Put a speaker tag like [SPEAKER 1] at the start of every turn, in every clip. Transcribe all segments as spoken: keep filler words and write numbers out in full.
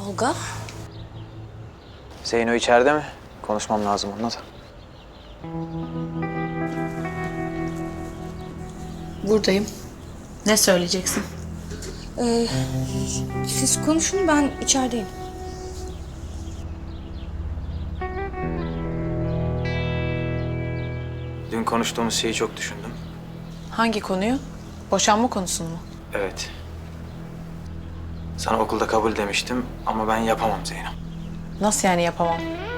[SPEAKER 1] Tolga.
[SPEAKER 2] Zeyno içeride mi? Konuşmam lazım onunla da.
[SPEAKER 3] Buradayım. Ne söyleyeceksin?
[SPEAKER 1] Ee, siz konuşun, ben içerideyim.
[SPEAKER 2] Dün konuştuğumuz şeyi çok düşündüm.
[SPEAKER 3] Hangi konuyu? Boşanma konusunu mu?
[SPEAKER 2] Evet. Sana okulda kabul demiştim ama ben yapamam Zeyno.
[SPEAKER 3] Nasıl yani yapamam?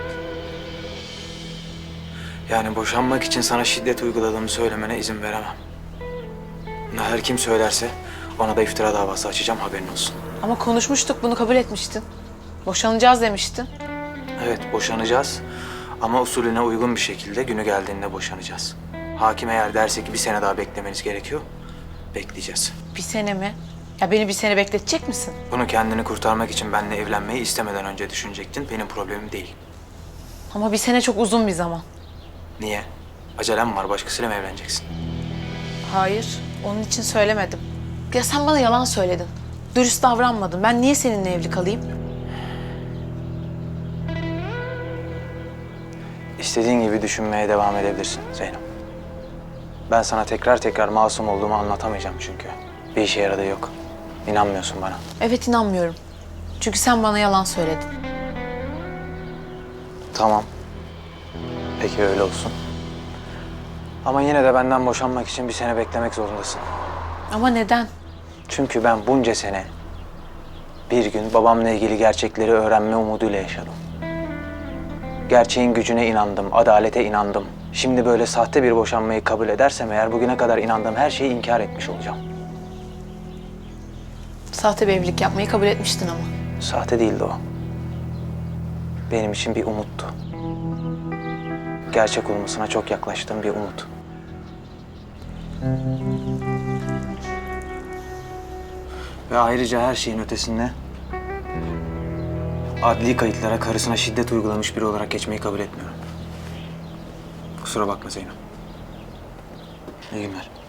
[SPEAKER 2] Yani boşanmak için sana şiddet uyguladığımı söylemene izin veremem. Bunu her kim söylerse ona da iftira davası açacağım, haberin olsun.
[SPEAKER 3] Ama konuşmuştuk, bunu kabul etmiştin. Boşanacağız demiştin.
[SPEAKER 2] Evet, boşanacağız ama usulüne uygun bir şekilde günü geldiğinde boşanacağız. Hakim eğer derse ki bir sene daha beklemeniz gerekiyor, bekleyeceğiz.
[SPEAKER 3] Bir sene mi? Ya beni bir sene bekletecek misin?
[SPEAKER 2] Bunu kendini kurtarmak için benimle evlenmeyi istemeden önce düşünecektin. Benim problemim değil.
[SPEAKER 3] Ama bir sene çok uzun bir zaman.
[SPEAKER 2] Niye? Acelem var. Başkasıyla mı evleneceksin?
[SPEAKER 3] Hayır, onun için söylemedim. Ya sen bana yalan söyledin. Dürüst davranmadın. Ben niye seninle evli kalayım?
[SPEAKER 2] İstediğin gibi düşünmeye devam edebilirsin Zeynep. Ben sana tekrar tekrar masum olduğumu anlatamayacağım çünkü. Bir işe yaradığı yok. İnanmıyorsun bana.
[SPEAKER 3] Evet, inanmıyorum. Çünkü sen bana yalan söyledin.
[SPEAKER 2] Tamam. Peki öyle olsun. Ama yine de benden boşanmak için bir sene beklemek zorundasın.
[SPEAKER 3] Ama neden?
[SPEAKER 2] Çünkü ben bunca sene bir gün babamla ilgili gerçekleri öğrenme umuduyla yaşadım. Gerçeğin gücüne inandım, adalete inandım. Şimdi böyle sahte bir boşanmayı kabul edersem eğer bugüne kadar inandığım her şeyi inkar etmiş olacağım.
[SPEAKER 3] Sahte bir evlilik yapmayı kabul etmiştin ama.
[SPEAKER 2] Sahte değildi o. Benim için bir umuttu. Gerçek olmasına çok yaklaştığım bir umut. Ve ayrıca her şeyin ötesinde adli kayıtlara karısına şiddet uygulamış biri olarak geçmeyi kabul etmiyorum. Kusura bakma Zeynep. İyi günler.